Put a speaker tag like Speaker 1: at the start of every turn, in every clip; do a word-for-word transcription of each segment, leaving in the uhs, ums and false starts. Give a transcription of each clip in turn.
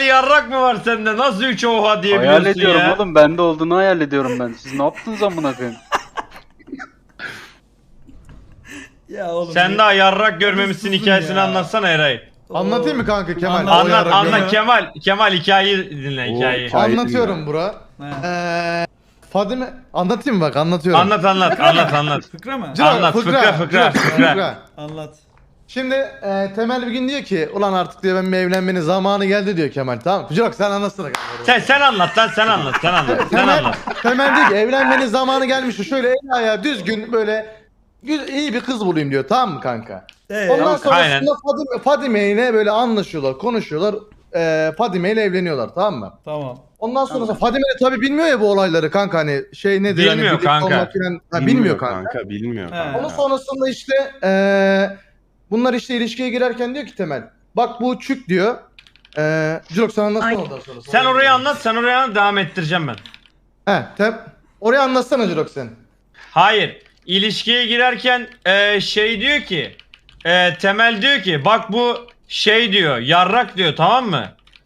Speaker 1: yarrak mı var sende? Nasıl üç oha diyebiliyorsun
Speaker 2: Hayal ediyorum
Speaker 1: ya?
Speaker 2: oğlum, bende olduğunu hayal ediyorum ben. Siz ne yaptınız amına koyayım?
Speaker 3: Ya oğlum.
Speaker 1: Sen
Speaker 3: ne-
Speaker 1: daha yarrak görmemişsin
Speaker 3: susun
Speaker 1: hikayesini
Speaker 3: ya.
Speaker 1: anlatsana Eray.
Speaker 4: Anlatayım mı kanka Kemal?
Speaker 3: Anlat,
Speaker 4: O
Speaker 1: Anlat
Speaker 4: yarrak
Speaker 1: anlat
Speaker 4: görme.
Speaker 1: Kemal. Kemal hikayeyi dinle
Speaker 5: Oo,
Speaker 1: hikayeyi.
Speaker 5: hikaye-
Speaker 4: Anlatıyorum bura.
Speaker 3: He.
Speaker 4: Eee Fadime anlatayım mı bak anlatıyorum.
Speaker 1: Anlat anlat anlat anlat.
Speaker 3: Fıkra mı?
Speaker 4: Ciro,
Speaker 1: Anlat, fıkra, fıkra,
Speaker 4: Ciro,
Speaker 1: fıkra.
Speaker 3: Anlat.
Speaker 4: Şimdi e, Temel bir gün diyor ki ulan artık diyor ben bir evlenmenin zamanı geldi diyor Kemal, tamam mı? Ciro sen anlatsana kanka.
Speaker 1: Sen sen anlat lan sen anlat sen anlat sen
Speaker 4: Temel,
Speaker 1: anlat.
Speaker 4: Temel diyor ki evlenmenin zamanı gelmiş, şöyle el ayağı düzgün böyle gü- iyi bir kız bulayım diyor, tamam mı kanka?
Speaker 3: Ee,
Speaker 4: Ondan
Speaker 1: Aynen.
Speaker 4: sonrasında Fadime, Fadime ile böyle anlaşıyorlar, konuşuyorlar. E, Fadime ile evleniyorlar, tamam mı?
Speaker 3: Tamam.
Speaker 4: Ondan sonra Fadime de tabii bilmiyor ya bu olayları kanka, hani şey nedir hani
Speaker 1: Bilmiyor
Speaker 4: birlikte
Speaker 1: kanka.
Speaker 4: olmak filan- ha, bilmiyor kanka.
Speaker 5: Bilmiyor
Speaker 3: He.
Speaker 5: kanka.
Speaker 4: Onun sonrasında işte eee bunlar işte ilişkiye girerken diyor ki Temel, bak bu çük diyor. Eee Cülok sen anlatsana ondan sonra.
Speaker 1: Sen orayı anlat sen oraya anlat devam ettireceğim ben.
Speaker 4: He tem orayı anlatsana Cülok sen.
Speaker 1: Hayır. İlişkiye girerken e, şey diyor ki e, Temel diyor ki bak bu şey diyor yarrak diyor tamam mı?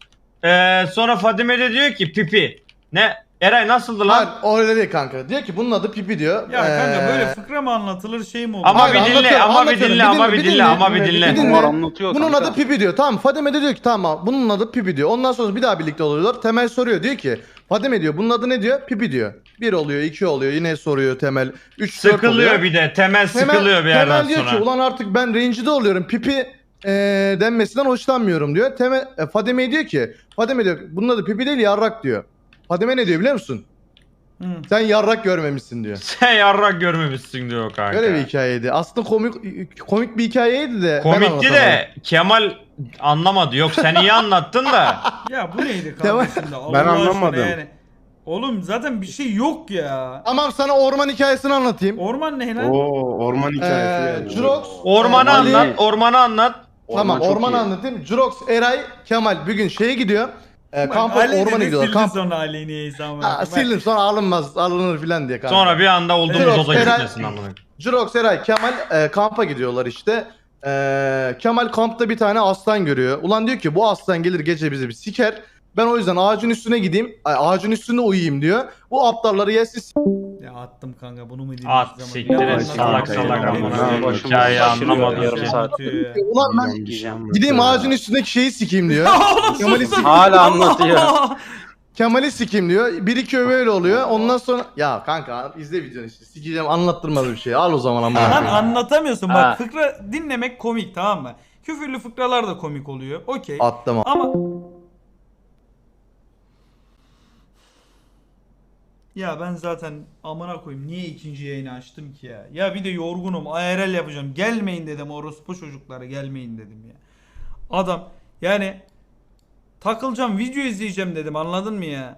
Speaker 1: E, sonra Fadime de diyor ki pipi. Ne? Eray nasıldı lan?
Speaker 4: Hayır öyle değil kanka. Diyor ki bunun adı Pipi diyor.
Speaker 3: Ya kanka
Speaker 4: Eee,
Speaker 3: böyle fıkra mı anlatılır şey mi olur?
Speaker 1: Ama
Speaker 4: Hayır,
Speaker 1: bir dinle
Speaker 4: anlatıyorum,
Speaker 1: ama bir
Speaker 4: anlatıyorum.
Speaker 1: dinle
Speaker 4: Bir
Speaker 1: ama
Speaker 4: dinle,
Speaker 1: bir
Speaker 4: bir
Speaker 1: dinle
Speaker 4: dinle,
Speaker 1: ama bir
Speaker 4: bir
Speaker 1: dinle.
Speaker 4: dinle.
Speaker 2: Bunlar anlatıyor
Speaker 4: Bunun
Speaker 2: kanka.
Speaker 4: adı Pipi diyor. Tamam Fadime de diyor ki tamam bunun adı Pipi diyor. Ondan sonra bir daha birlikte oluyorlar. Temel soruyor diyor ki Fadime diyor bunun adı ne diyor? Pipi diyor. Bir oluyor, iki oluyor, yine soruyor Temel. Üç, dört oluyor.
Speaker 1: Sıkılıyor bir de Temel sıkılıyor bir yerden
Speaker 4: Temel diyor
Speaker 1: sonra.
Speaker 4: ki ulan artık ben rencide oluyorum. Pipi e, denmesinden hoşlanmıyorum diyor. Temel e, Fadime diyor ki Fadime diyor bunun adı Pipi değil yarrak diyor. Fadime ne diyor biliyor musun?
Speaker 3: Hı.
Speaker 4: Sen yarrak görmemişsin diyor.
Speaker 1: Sen yarrak görmemişsin diyor kanka.
Speaker 4: Öyle bir hikayeydi. Aslında komik komik bir hikayeydi de. ben
Speaker 1: Komikti
Speaker 4: anlatamadım.
Speaker 1: de Kemal anlamadı. Yok sen iyi anlattın da.
Speaker 3: Ya bu neydi
Speaker 4: Devam-
Speaker 3: kanka şimdi? Allah
Speaker 5: Ben
Speaker 3: aşkına
Speaker 5: anlamadım.
Speaker 3: Yani. Oğlum zaten bir şey yok ya.
Speaker 4: Tamam sana orman hikayesini anlatayım.
Speaker 3: Orman ne lan?
Speaker 5: Oo, orman hikayesi.
Speaker 4: Ee,
Speaker 5: geldi.
Speaker 4: Jurox.
Speaker 1: Ormanı
Speaker 4: e, Ali-
Speaker 1: anlat, ormanı anlat.
Speaker 4: Tamam
Speaker 2: Orman çok
Speaker 4: ormanı
Speaker 2: iyi.
Speaker 4: anlatayım. Jurox, Eray, Kemal bir gün şeye gidiyor. E,
Speaker 3: Bak,
Speaker 4: kampa
Speaker 3: Ali
Speaker 4: ormana
Speaker 3: dedi,
Speaker 4: gidiyorlar.
Speaker 3: sildin
Speaker 4: Kamp.
Speaker 3: sonra Ali niyeyse ama.
Speaker 4: Ha,
Speaker 3: Bak,
Speaker 4: sildim sonra alınmaz alınır filan diye kanka.
Speaker 1: Sonra bir anda olduğumuz
Speaker 4: Evet,
Speaker 1: oda
Speaker 4: Eray-
Speaker 1: gitmesin amına.
Speaker 4: Jurox, Eray, Kemal e, kampa gidiyorlar işte. E, Kemal kampta bir tane aslan görüyor. Ulan diyor ki bu aslan gelir gece bizi bir siker. Ben o yüzden ağacın üstüne gideyim. ay, Ağacın üstünde uyuyayım diyor. Bu aptalları yesin.
Speaker 3: Ya attım kanka bunu mu dinleyeceğiz
Speaker 1: At
Speaker 3: ama?
Speaker 1: siktir
Speaker 3: Ya
Speaker 1: et
Speaker 3: anlat-
Speaker 1: salak salak
Speaker 5: Kanka,
Speaker 1: amına.
Speaker 5: kanka,
Speaker 2: başımız
Speaker 1: Hikaye
Speaker 2: şaşırıyor,
Speaker 1: anlamadım
Speaker 2: yarım
Speaker 1: ki.
Speaker 2: saat.
Speaker 3: Anlatıyor ya.
Speaker 4: Ulan ben
Speaker 5: Yanlış
Speaker 2: Gideyim
Speaker 5: anlattı
Speaker 4: gideyim
Speaker 5: ya.
Speaker 4: ağacın üstündeki şeyi sikeyim diyor.
Speaker 3: Oğlum
Speaker 4: Kemal'i
Speaker 3: sus.
Speaker 4: sik-
Speaker 2: Hala anlatıyor.
Speaker 4: Kemal'i sikeyim diyor. Bir iki öyle oluyor. Ondan sonra ya kanka izle videonu işte. Sikeceğim anlattırmadı bir şey. Al o zaman ama.
Speaker 3: Lan anlatamıyorsun bak
Speaker 2: Ha.
Speaker 3: fıkra dinlemek komik tamam mı? Küfürlü fıkralar da komik oluyor. Okey.
Speaker 4: Attım.
Speaker 3: Ama ya ben zaten amına koyayım niye ikinci yayını açtım ki ya? Ya bir de yorgunum I R L yapacağım. Gelmeyin dedim orospu çocuklara gelmeyin dedim ya. Adam yani takılacağım video izleyeceğim dedim anladın mı ya?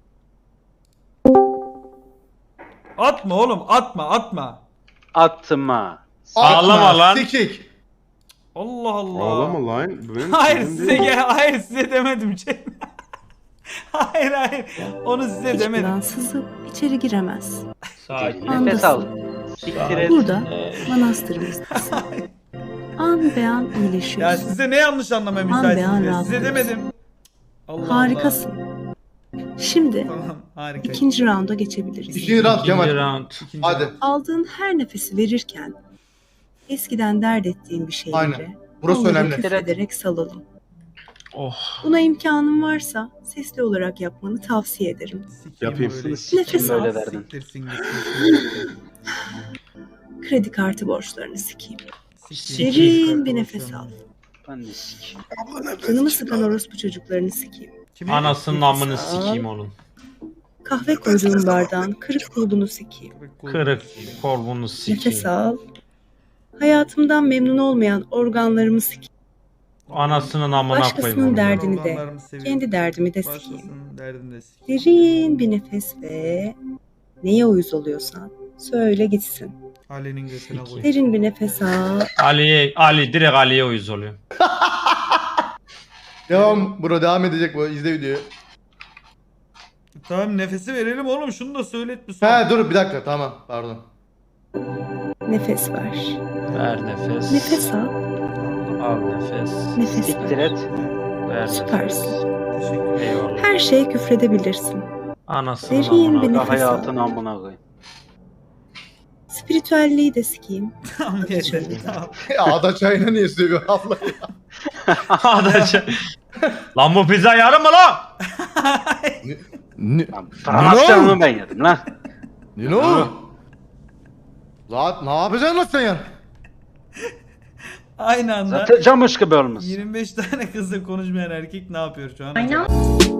Speaker 3: Atma oğlum atma atma.
Speaker 2: Attım ha.
Speaker 1: Ağlama lan.
Speaker 4: Sikik.
Speaker 3: Allah Allah.
Speaker 5: Ağlama lan. Benim
Speaker 3: Hayır
Speaker 5: benim
Speaker 3: size
Speaker 5: değil.
Speaker 3: gel hayır size demedim Cem. hayır hayır onu size
Speaker 6: Hiçbir
Speaker 3: demedim.
Speaker 6: an sızıp içeri giremez.
Speaker 1: Sakin.
Speaker 2: Nefes al. Siktir et.
Speaker 6: Burada manastırımızdasın. An be an
Speaker 3: Ya
Speaker 6: iyileşiyorsun.
Speaker 3: size ne yanlış anlamaya
Speaker 6: An be an
Speaker 3: müsaitsiniz ya. Size
Speaker 6: rahatlıyorsun.
Speaker 3: demedim. Allah
Speaker 6: Harikasın. Şimdi
Speaker 3: Allah. Tamam harika.
Speaker 6: ikinci raunda geçebiliriz.
Speaker 4: İkinci round
Speaker 1: İkinci
Speaker 4: Kemal.
Speaker 1: round.
Speaker 3: İkinci
Speaker 4: Hadi.
Speaker 3: round.
Speaker 6: Aldığın her nefesi verirken eskiden dert ettiğin bir şeyleri
Speaker 4: Aynen. Burası
Speaker 6: onları
Speaker 4: önemli.
Speaker 6: küfrederek salalım.
Speaker 1: Oh.
Speaker 6: Buna imkanın varsa sesli olarak yapmanı tavsiye ederim.
Speaker 3: Sikeyim
Speaker 5: Yapayım.
Speaker 3: böyle.
Speaker 6: Nefes
Speaker 2: Böyle
Speaker 6: al.
Speaker 2: derdin.
Speaker 3: Siktirsin gitsin.
Speaker 6: Kredi kartı borçlarını sikeyim.
Speaker 3: Sikeyim.
Speaker 6: Derin bir nefes al.
Speaker 2: Ben de sik.
Speaker 6: Canımı sıkan orospu çocuklarını sikeyim.
Speaker 3: Kimi?
Speaker 1: Anasının amını
Speaker 6: Nefes al.
Speaker 1: sikeyim onun.
Speaker 6: Kahve koyduğum bardağın kırık kulbunu sikeyim.
Speaker 1: Kırık korbunu
Speaker 6: Nefes
Speaker 1: sikeyim.
Speaker 6: al. Hayatımdan memnun olmayan organlarımı sikeyim.
Speaker 1: Anasının amına koyayım
Speaker 6: Başkasının
Speaker 1: onu.
Speaker 6: derdini de,
Speaker 3: Organlarımı seviyorum.
Speaker 6: kendi derdimi de sikeyim.
Speaker 3: Başkasının derdini de sikeyim.
Speaker 6: Derin bir nefes ve neye uyuz oluyorsan söyle gitsin.
Speaker 3: Ali'nin götüne koy.
Speaker 6: Derin bir nefes al.
Speaker 1: Ali, Ali direkt Ali'ye uyuz oluyor.
Speaker 4: Devam bro devam edecek bu. İzle videoyu.
Speaker 3: Tamam nefesi verelim oğlum şunu da söylet bir son.
Speaker 4: He dur bir dakika tamam pardon.
Speaker 6: Nefes ver.
Speaker 1: Ver nefes.
Speaker 6: Nefes al.
Speaker 1: Al nefes.
Speaker 6: Nefes
Speaker 2: Siktir
Speaker 6: ver.
Speaker 2: et.
Speaker 1: Vermez.
Speaker 6: Süpersin.
Speaker 3: Teşekkür ederim.
Speaker 2: Eyvallah.
Speaker 6: Her şeye küfredebilirsin.
Speaker 1: Anasını
Speaker 6: Derin
Speaker 1: amına.
Speaker 6: bir
Speaker 2: Buna da
Speaker 6: nefes
Speaker 2: hayatın
Speaker 6: al.
Speaker 2: amına koyayım.
Speaker 6: Spiritüelliği de sikeyim.
Speaker 3: Tamam yeter. Tamam.
Speaker 4: Ya ada çayını niye seviyor abla?
Speaker 1: Adaça. Lan bu pizza yarım mı lan?
Speaker 4: Ne?
Speaker 2: Lan Fransızcanını ben yedim lan.
Speaker 4: Nino? Zaten ne yapacaksın lan sen ya?
Speaker 3: Aynı anda
Speaker 2: Zaten camış gibi olmuş.
Speaker 3: yirmi beş tane kızla konuşmayan erkek ne yapıyor şu an?
Speaker 7: I know.